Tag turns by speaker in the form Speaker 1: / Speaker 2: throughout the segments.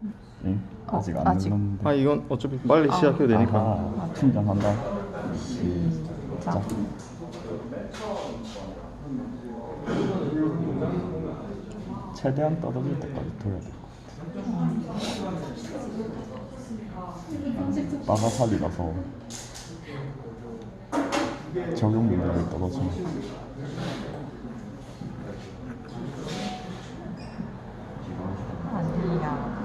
Speaker 1: 응? 아직 안
Speaker 2: 아직.
Speaker 1: 눌렀는데.
Speaker 3: 아 이건 어차피 빨리 시작해도 되니까.
Speaker 1: 아하, 충전한다. 시작. 최대한 떨어질 때까지 돌려야 될 것 같아. 빠가살이라서 적용 문제를 떨어지면
Speaker 2: 아니야.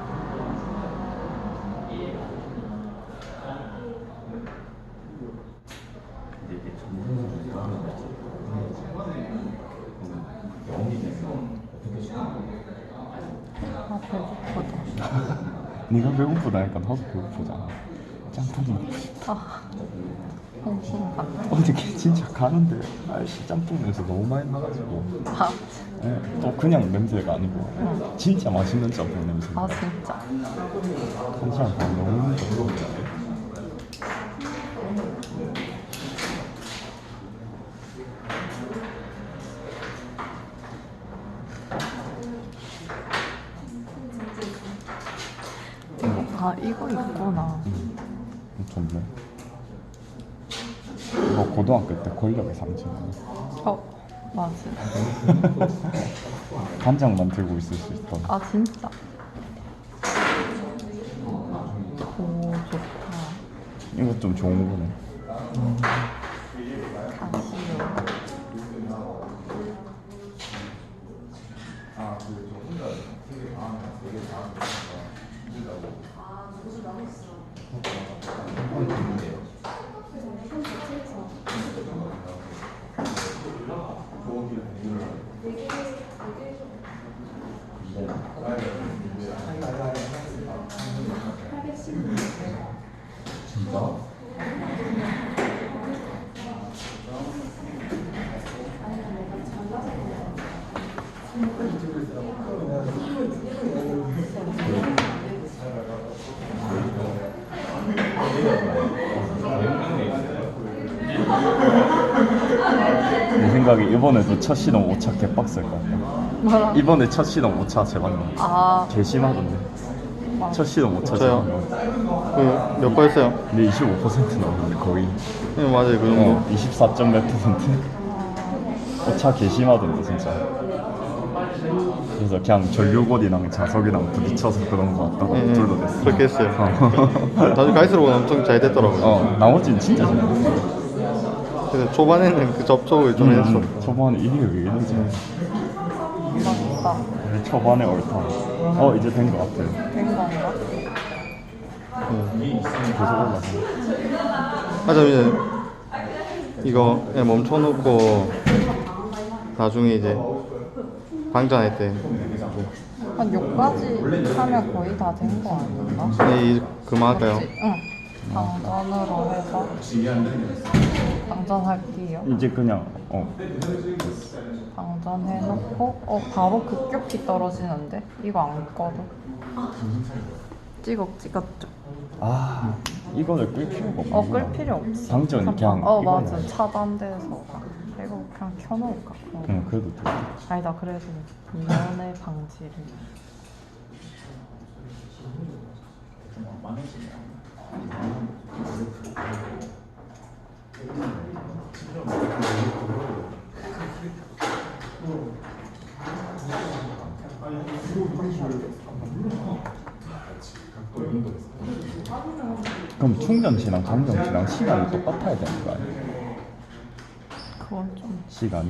Speaker 2: 아 배고프다.
Speaker 1: 네가 배고프다니까 나도 배고프잖아. 짬뽕 먹고 싶다.
Speaker 2: 홍콩 같아.
Speaker 1: 어저께 진짜 가는데 아이씨 짬뽕 냄새 너무 많이 나가지고.
Speaker 2: 아,
Speaker 1: 예, 또 그냥 냄새가 아니고 진짜 맛있는 짬뽕 냄새.
Speaker 2: 아 진짜.
Speaker 1: 한 시간 반 너무 힘들어.
Speaker 2: 아 이거 있구나.
Speaker 1: 좋네. 이거 고등학교 때 권력의 상징이야.
Speaker 2: 맞아.
Speaker 1: 간장만 들고 있을 수 있던.
Speaker 2: 아 진짜. 오 좋다.
Speaker 1: 이거 좀 좋은 거네.
Speaker 2: 가시오.
Speaker 1: 내 생각에 이번에도 첫 시동 5차 개빡셀 것 같아.
Speaker 2: 뭐라?
Speaker 1: 이번에 첫 시동 5차 제발 나.
Speaker 2: 아
Speaker 1: 개심하던데. 첫 시동 5차
Speaker 3: 저요?
Speaker 1: 제발.
Speaker 3: 그몇 번 했어요?
Speaker 1: 근데 25% 나오는데 거의.
Speaker 3: 네 맞아요 그 정도.
Speaker 1: 24점 몇 퍼센트. 5차 개심하던데 진짜. 그래서 그냥 전류골이랑 자석이랑 부딪혀서 그런 거 같다고 둘도 됐어.
Speaker 3: 그렇게 했어요. 나중에 갈수록 엄청 잘 됐더라고요.
Speaker 1: 나머지는 진짜 잘 됐어.
Speaker 3: 그래서 초반에는 그 접촉을 좀 했어.
Speaker 1: 초반에 이게 왜 이러지?
Speaker 2: 맞다.
Speaker 1: 우리 초반에 옳다. 이제 된 거 같아.
Speaker 2: 된 건가?
Speaker 1: 계속 올라가.
Speaker 3: 하자 이제 이거 그냥 멈춰놓고 나중에 이제 방전할 때
Speaker 2: 한 6까지 하면 거의 다 된 거 아닌가?
Speaker 3: 네, 그만할까요?
Speaker 2: 응. 방전으로 해서 방전할게요.
Speaker 1: 이제 그냥
Speaker 2: 방전해놓고 바로 급격히 떨어지는데? 이거 안 꺼도? 찍었죠?
Speaker 1: 이거를 끌 필요가 없구나.
Speaker 2: 끌 필요 없어.
Speaker 1: 방전이 그냥
Speaker 2: 맞아.
Speaker 1: 이거는-
Speaker 2: 차단돼서 이거 그냥 켜놓을까?
Speaker 1: 응, 그래도 돼.
Speaker 2: 아니다. 그래도 이면의 방지를.
Speaker 1: 그럼 충전시랑 감전시랑 시간이 똑같아야 되는 거 아니야?
Speaker 2: 그건 좀
Speaker 1: 시간이?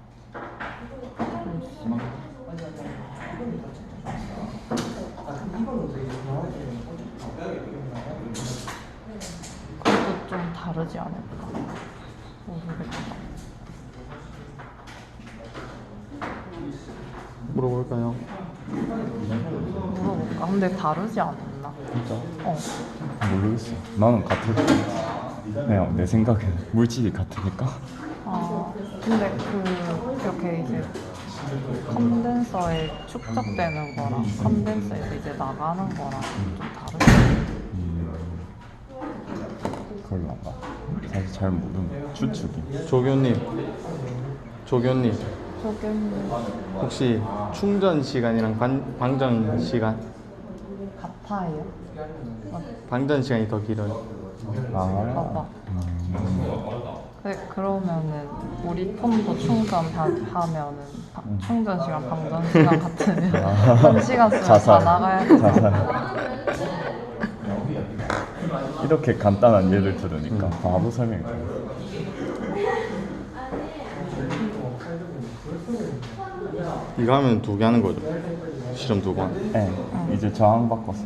Speaker 2: 그것도 좀 다르지 않을까? 모르겠다.
Speaker 3: 물어볼까요?
Speaker 2: 물어볼까? 근데 다르지 않았나?
Speaker 1: 진짜? 모르겠어. 나는 같을 것 같아. 그냥 내 생각에는 물질이 같으니까.
Speaker 2: 근데 이렇게 이제 컨덴서에 축적되는 거랑 컨덴서에서 이제 나가는 거랑 좀 다르지?
Speaker 1: 그럴란가? 사실 잘 모르는 추측이.
Speaker 3: 조교님
Speaker 2: 조금
Speaker 3: 혹시 충전 시간이랑 방전 시간
Speaker 2: 같아요.
Speaker 3: 방전 시간이 더 길어요.
Speaker 2: 봐봐. 그러면은 우리 폰도 충전하면은 충전 시간, 방전 시간 같으면 1시간 쓰면 다 나가야 돼.
Speaker 1: 이렇게 간단한 예를 들으니까 바로 설명이 돼.
Speaker 3: 이거 하면 2개 하는 거죠? 실험 2번.
Speaker 1: 네, 이제 저항 바꿔서.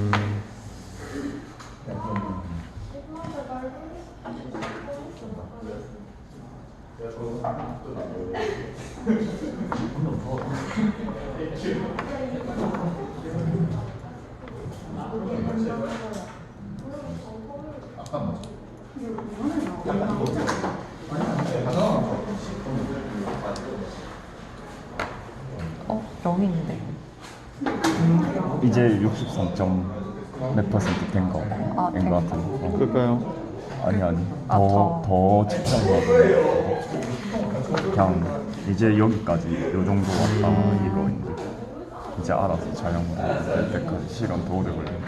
Speaker 2: 어? 0인데.
Speaker 1: 이제 63몇 퍼센트 된 거.
Speaker 2: 아,
Speaker 1: 된 거 같은데.
Speaker 3: 그럴까요?
Speaker 1: 아니
Speaker 2: 아,
Speaker 1: 더 측정하고 그냥 이제 여기까지 요 정도 왔다 이거인데 이제 알아서 자연으로 될 때까지 시간 더 오래 걸려.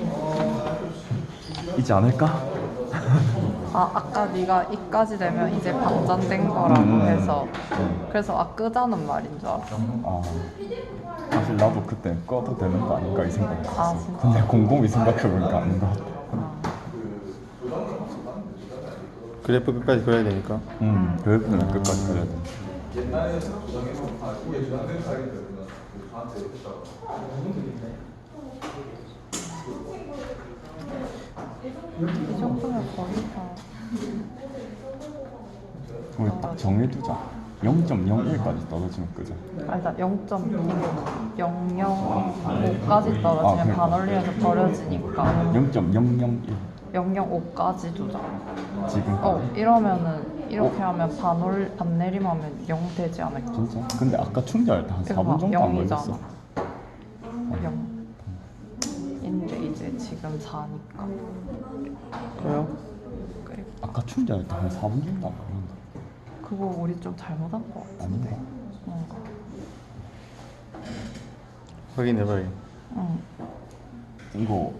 Speaker 1: 있지 않을까?
Speaker 2: 아, 아까 네가 이까지 되면 이제 방전된 거라고 해서 그래서 끄자는 말인 줄 알았어.
Speaker 1: 아 사실 나도 그때 꺼도 되는 거 아닌가 이 생각했어.
Speaker 2: 아, 진짜?
Speaker 1: 근데 곰곰이 생각해보니까 아닌 것 같아.
Speaker 3: 그래프 끝까지 그려야 되니까.
Speaker 1: 그래프는 끝까지 그려야 돼.
Speaker 2: 이 정도면 거의 다.
Speaker 1: 우리 딱 정해두자. 0.01까지 떨어지면 끄자.
Speaker 2: 아니다, 0.005까지 떨어지면
Speaker 1: 그러니까.
Speaker 2: 반올림에서 버려지니까
Speaker 1: 0.001
Speaker 2: 005까지 두자.
Speaker 1: 지금.
Speaker 2: 이러면은 이렇게 하면 반내림하면 0 되지 않을까?
Speaker 1: 진짜? 근데 아까 충전할 때 한 4분 정도 안 걸렸어.
Speaker 2: 0. 인데 이제 지금 4니까.
Speaker 3: 그래요?
Speaker 1: 아까 충전할 때 한 4분 정도 안 걸렸는데.
Speaker 2: 그거 우리 좀 잘못한 거 같은데.
Speaker 1: 아닌가?
Speaker 2: 뭔가.
Speaker 3: 확인해봐요.
Speaker 2: 응.
Speaker 1: 이거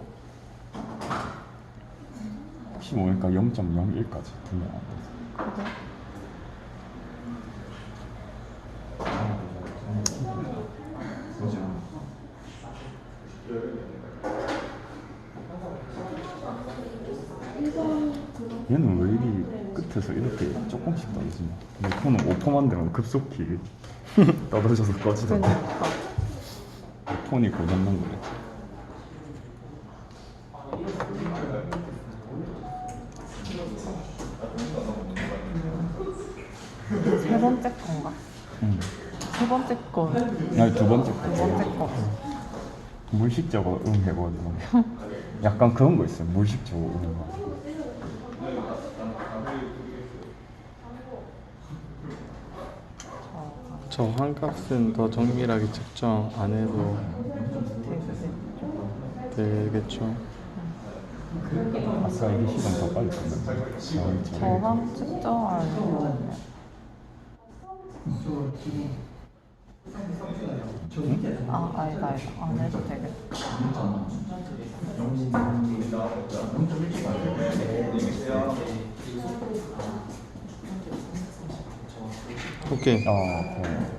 Speaker 1: 혹시 모르니까 0.01까지 분명 안 돼서.
Speaker 2: 그래?
Speaker 1: 얘는 왜 이리 끝에서 이렇게 조금씩 떨어지냐? 내 폰은 5%만 되면 급속히 떨어져서 꺼지던데.
Speaker 2: 그러니까.
Speaker 1: 폰이 고장난 거래.
Speaker 2: 세 번째 건가?
Speaker 1: 응.
Speaker 2: 세 번째 거.
Speaker 1: 아니 두 번째 거.
Speaker 2: 두 번째 거.
Speaker 1: 물식적으로 해가지고 약간 그런 거 있어요. 물식적으로 거.
Speaker 3: 저항값은 더 정밀하게 측정 안 해도 되겠죠.
Speaker 1: 아싸 이게 시간 더 빨리 끝났네.
Speaker 2: 저항 측정하려면 아니다 안 해도 되겠다.
Speaker 3: 오케이.
Speaker 1: 네.